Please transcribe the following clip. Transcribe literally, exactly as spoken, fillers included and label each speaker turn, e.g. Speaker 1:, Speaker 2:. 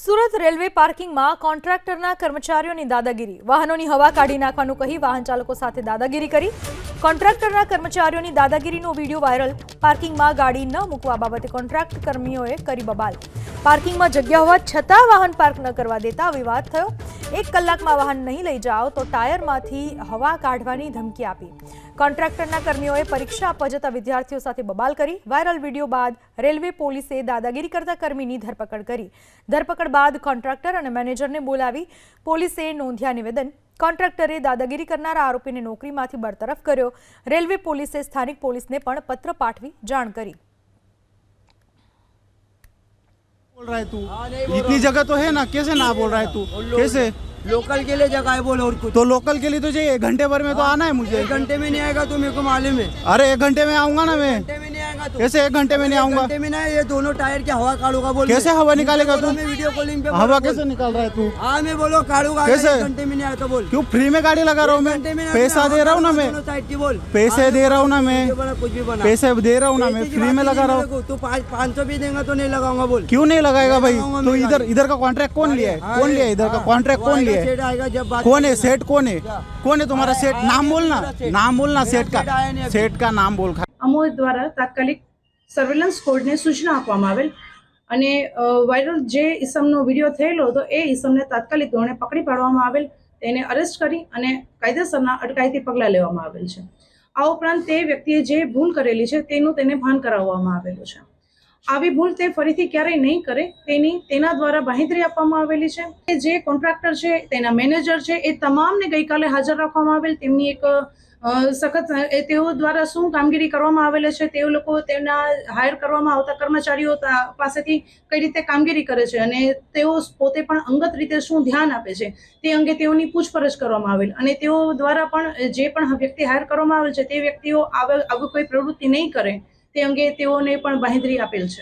Speaker 1: Surat railway પાર્કિંગમાં કોન્ટ્રાક્ટરના કર્મચારીઓની દાદાગીરી, વાહનોની હવા કાઢી નાખવાનું કહી વાહન ચાલકો સાથે દાદાગીરી કરી। કોન્ટ્રાક્ટરના કર્મચારીઓની દાદાગીરીનો વિડીયો વાયરલ। પાર્કિંગમાં ગાડી ન મૂકવા બાબતે કોન્ટ્રાક્ટ કર્મીઓએ કરી બબાલ। પાર્કિંગમાં જગ્યા હોવા છતાં વાહન પાર્ક ન કરવા દેતા વિવાદ થયો। એક કલાકમાં વાહન નહીં લઈ જાઓ તો ટાયરમાંથી હવા કાઢવાની ધમકી આપી। કોન્ટ્રાક્ટરના કર્મીઓએ પરીક્ષા આપવા જતા વિદ્યાર્થીઓ સાથે બબાલ કરી। વાયરલ વિડીયો બાદ રેલવે પોલીસે દાદાગીરી કરતા કર્મીની ધરપકડ કરી। ધરપકડ બાદ કોન્ટ્રાક્ટર અને મેનેજરને બોલાવી પોલીસે નોંધ્યા નિવેદન। કોન્ટ્રાક્ટરે દાદાગીરી કરનારા આરોપીને નોકરીમાંથી બરતરફ કર્યો। રેલવે પોલીસે સ્થાનિક પોલીસને પણ પત્ર પાઠવી જાણ કરી।
Speaker 2: बोल रहा है तू? इतनी जगह तो है ना, कैसे ना बोल रहा है तू? कैसे
Speaker 3: लोकल के लिए जगह है बोल, और कुछ
Speaker 2: तो लोकल के लिए तो चाहिए, एक घंटे भर में तो आना है मुझे।
Speaker 3: एक घंटे में नहीं आएगा तो मेरे को मालूम है।
Speaker 2: अरे एक घंटे में आऊंगा ना मैं।
Speaker 3: घंटे में नहीं आएगा तो
Speaker 2: कैसे एक घंटे में नहीं आऊंगा?
Speaker 3: घंटे में नहीं, ये दोनों टायर की हवा काढ़ूंगा बोल।
Speaker 2: कैसे हवा निकालेगा तू?
Speaker 3: मैं वीडियो कॉलिंग पे
Speaker 2: हवा कैसे निकाल रहा है तू?
Speaker 3: हाँ मैं बोलो काढ़ूंगा।
Speaker 2: कैसे?
Speaker 3: एक घंटे में नहीं आया तो बोल।
Speaker 2: क्यों फ्री में गाड़ी लगा रहा हूँ मैं?
Speaker 3: घंटे में
Speaker 2: पैसा दे रहा हूँ ना मैं,
Speaker 3: दोनों साइड की बोल।
Speaker 2: पैसे दे रहा हूँ ना मैं,
Speaker 3: वीडियो बना, कुछ भी बना।
Speaker 2: पैसे दे रहा हूँ ना मैं, फ्री में लगा रहा हूँ।
Speaker 3: तू पाँच पाँच सौ भी देगा तो नहीं लगाऊंगा बोल।
Speaker 2: क्यों नहीं लगाएगा भाई?
Speaker 3: लगाऊंगा
Speaker 2: तो
Speaker 3: मैं
Speaker 2: इधर
Speaker 3: गाड़ी।
Speaker 2: इधर का कॉन्ट्रैक्ट कौन लिया है?
Speaker 3: हाँ,
Speaker 2: कौन लिया है इधर का
Speaker 3: हाँ,
Speaker 2: कॉन्ट्रैक्ट?
Speaker 3: वो
Speaker 2: कौन
Speaker 3: आएगा,
Speaker 2: लिया है?
Speaker 3: सेठ आएगा जब बात
Speaker 2: कौन है सेठ? कौन है? कौन है तुम्हारा सेठ?
Speaker 3: आया-
Speaker 2: नाम बोलना,
Speaker 3: आया सेठ।
Speaker 2: नाम बोलना
Speaker 3: मेरा
Speaker 2: सेठ
Speaker 3: सेठ आया नहीं
Speaker 2: का,
Speaker 3: अभी।
Speaker 2: सेठ का नाम बोल।
Speaker 4: અમો દ્વારા તાત્કાલિક સર્વેલન્સ કોડને સૂચના આપવામાં આવેલ અને અ, વાયરલ જે ઈસમનો વિડીયો થયેલો હતો એ ઈસમને તાત્કાલિક ધોરણે પકડી પાડવામાં આવેલ, તેને અરેસ્ટ કરી અને કાયદેસરના અટકાયતી પગલાં લેવામાં આવેલ છે। આ ઉપરાંત તે વ્યક્તિએ જે ભૂલ કરેલી છે તેનું તેને ભાન કરાવવામાં આવેલું છે। આવી ભૂલ તે ફરીથી ક્યારેય નહીં કરે તેની તેના દ્વારા બાંહેધરી આપવામાં આવેલી છે। જે કોન્ટ્રાક્ટર છે, તેના મેનેજર છે, એ તમામને ગઈકાલે હાજર રાખવામાં આવેલ। તેમની એક અ, સખત એ તેઓ દ્વારા શું કામગીરી કરવામાં આવેલી છે, તેઓ લોકો તેમના હાયર કરવામાં આવતા કર્મચારીઓ તા- પાસેથી કઈ રીતે કામગીરી કરે છે અને તેઓ પોતે પણ અંગત રીતે શું ધ્યાન આપે છે તે અંગે તેઓની પૂછપરછ કરવામાં આવેલ અને તેઓ દ્વારા પણ જે પણ વ્યક્તિ હાયર કરવામાં આવેલ છે તે વ્યક્તિઓ આવે આવી કોઈ પ્રવૃત્તિ નહીં કરે તે અંગે તેઓને પણ બાંહેધરી આપેલ છે।